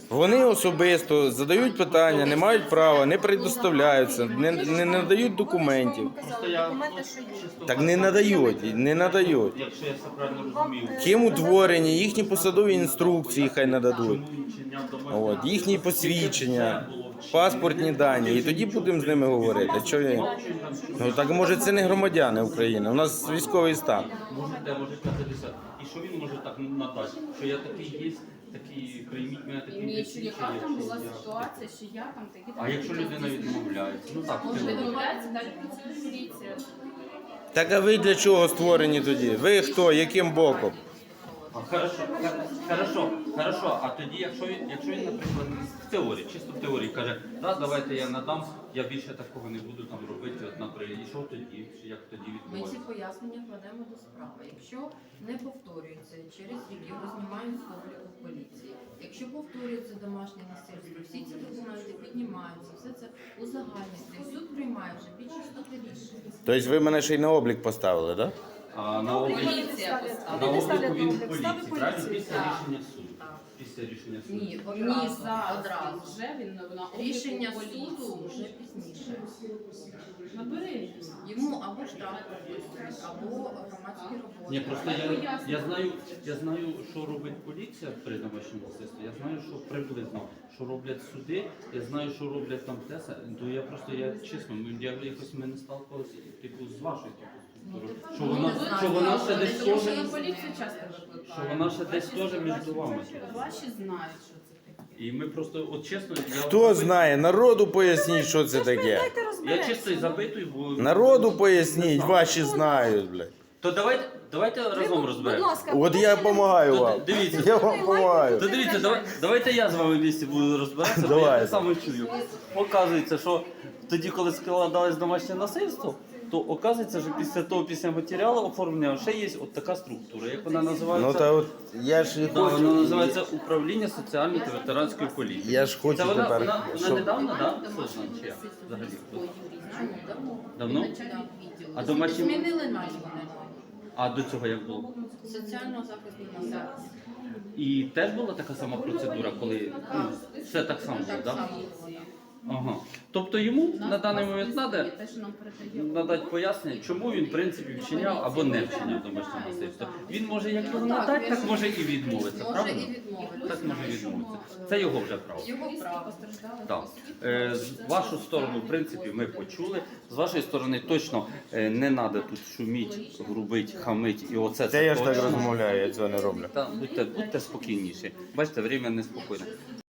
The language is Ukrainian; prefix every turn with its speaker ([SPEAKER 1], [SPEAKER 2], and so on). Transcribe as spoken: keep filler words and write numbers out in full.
[SPEAKER 1] Вони особисто задають питання, не мають права, не предоставляються, не, не надають документів.
[SPEAKER 2] Просто я ну, чисто
[SPEAKER 1] Так не надають, не надають.
[SPEAKER 2] Якщо я все правильно розумів,
[SPEAKER 1] Ким утворені, їхні посадові інструкції хай нададуть.
[SPEAKER 2] чому він чиняв домашнє
[SPEAKER 1] От, їхні
[SPEAKER 2] насильство,
[SPEAKER 1] посвідчення,
[SPEAKER 2] це було вчинено.
[SPEAKER 1] паспортні дані. І тоді будемо з ними говорити. Що він? Ну так може це не громадяни України, у нас військовий стан.
[SPEAKER 2] Можете, може казатися. І що він може так надати? Що я такий є, такий, прийміть мене таким
[SPEAKER 3] Ні, що яка
[SPEAKER 2] посвідченням,
[SPEAKER 3] там була
[SPEAKER 2] що я-
[SPEAKER 3] ситуація, що я там такі
[SPEAKER 2] А якщо людина відмовляється? Ну так,
[SPEAKER 3] може
[SPEAKER 2] це-
[SPEAKER 3] відмовляється, далі працює поліція.
[SPEAKER 1] Так а ви для чого створені тоді? Ви хто? Яким боком?
[SPEAKER 2] А, Хорошо, хор- хорошо, хорошо. А тоді, якщо він, якщо він, наприклад, в теорії, чисто в теорії каже, да, давайте я надам, я більше такого не буду там робити, от, наприклад, і що тоді, як тоді
[SPEAKER 4] Ми ці
[SPEAKER 2] відмовитися?
[SPEAKER 4] пояснення кладемо до справи. Якщо не повторюється, через рік його знімають з обліку поліції. Якщо повторюється домашнє насильство, всі ці документи піднімаються, все це узагальнюється. І суд приймає вже більш істотне рішення.
[SPEAKER 1] Тобто ви мене ще й на облік поставили, так?
[SPEAKER 2] А на обліку,
[SPEAKER 4] Поліція
[SPEAKER 2] на
[SPEAKER 4] поставила.
[SPEAKER 2] обліку він в
[SPEAKER 5] Ставить
[SPEAKER 2] поліції, правильно?
[SPEAKER 5] поліцію.
[SPEAKER 2] Після
[SPEAKER 4] Так.
[SPEAKER 2] рішення суду.
[SPEAKER 4] Так.
[SPEAKER 2] Після рішення суду.
[SPEAKER 4] Ні,
[SPEAKER 3] Ні,
[SPEAKER 4] одразу.
[SPEAKER 3] зараз
[SPEAKER 4] одразу.
[SPEAKER 3] вже він на обліку
[SPEAKER 4] Рішення
[SPEAKER 3] поліції.
[SPEAKER 4] суду вже пізніше.
[SPEAKER 3] Набери.
[SPEAKER 4] Йому або штраф прописують, або громадські роботи.
[SPEAKER 2] Ні, просто я, я знаю, я знаю, що робить поліція при домашньому насильстві. Я знаю, що приблизно, що роблять суди. Я знаю, що роблять там теса. То я просто я чесно, ну, я якось ми не сталкувалися типу з вашою типу структурою. Що вона, що вона ще десь
[SPEAKER 3] Тому
[SPEAKER 2] теж,
[SPEAKER 3] що на поліцію часто
[SPEAKER 2] що
[SPEAKER 3] викликають.
[SPEAKER 2] вона ще десь теж між вами.
[SPEAKER 3] Ваші знають, що це таке.
[SPEAKER 2] І ми просто, от чесно, я
[SPEAKER 1] Хто знає? Народу поясніть, що це таке.
[SPEAKER 2] Я чисто і запитую, бо
[SPEAKER 1] Народу поясніть, ваші знають, блядь.
[SPEAKER 2] то давайте, давайте разом
[SPEAKER 5] Будь
[SPEAKER 2] розберемо.
[SPEAKER 5] ласка,
[SPEAKER 1] От я допомагаю
[SPEAKER 2] То
[SPEAKER 1] вам.
[SPEAKER 2] дивіться.
[SPEAKER 1] Я вам допомагаю.
[SPEAKER 2] То дивіться, давай, давайте я з вами в місті буду розбиратися, бо я
[SPEAKER 1] Давайте.
[SPEAKER 2] так само чую. Оказується, що тоді, коли складалось домашнє насильство, то оказується, що після того, після матеріалу оформлення ще є от така структура, як вона називається?
[SPEAKER 1] Ну та от я ж і
[SPEAKER 2] Да, вона
[SPEAKER 1] хочу.
[SPEAKER 2] називається Управління соціальної та ветеранської політики.
[SPEAKER 1] Я ж хочу
[SPEAKER 2] Це вона,
[SPEAKER 1] тепер,
[SPEAKER 2] вона, вона
[SPEAKER 1] щоб-
[SPEAKER 2] недавно, так? Да? Создана чи як? Взагалі?
[SPEAKER 4] Давно.
[SPEAKER 2] Давно?
[SPEAKER 4] Начальник відділу.
[SPEAKER 2] А домашні-
[SPEAKER 4] Змінили назву.
[SPEAKER 2] А до цього як було?
[SPEAKER 4] Соціального захисту населення.
[SPEAKER 2] І теж була така сама процедура, коли ну, все так само було,
[SPEAKER 4] Так
[SPEAKER 2] так?
[SPEAKER 4] само було.
[SPEAKER 2] Ага. Тобто йому на даний момент треба
[SPEAKER 3] Те, що нам передає.
[SPEAKER 2] надати пояснення, чому він в принципі вчиняв або не вчиняв домашнє насильство. Він може як його надати, так може і відмовитися,
[SPEAKER 4] Може
[SPEAKER 2] правильно?
[SPEAKER 4] і відмовити.
[SPEAKER 2] Так може відмовитися. Це його вже право.
[SPEAKER 4] Його право.
[SPEAKER 3] Постраждали.
[SPEAKER 2] Так. Е, з вашу сторону, в принципі, ми почули. З вашої сторони точно е, не треба тут шуміть, грубить, хамить і оце
[SPEAKER 1] Це я ж так
[SPEAKER 2] точно.
[SPEAKER 1] розмовляю, я цього не роблю.
[SPEAKER 2] Та, будьте, будьте спокійніші. Бачите, время неспокійне.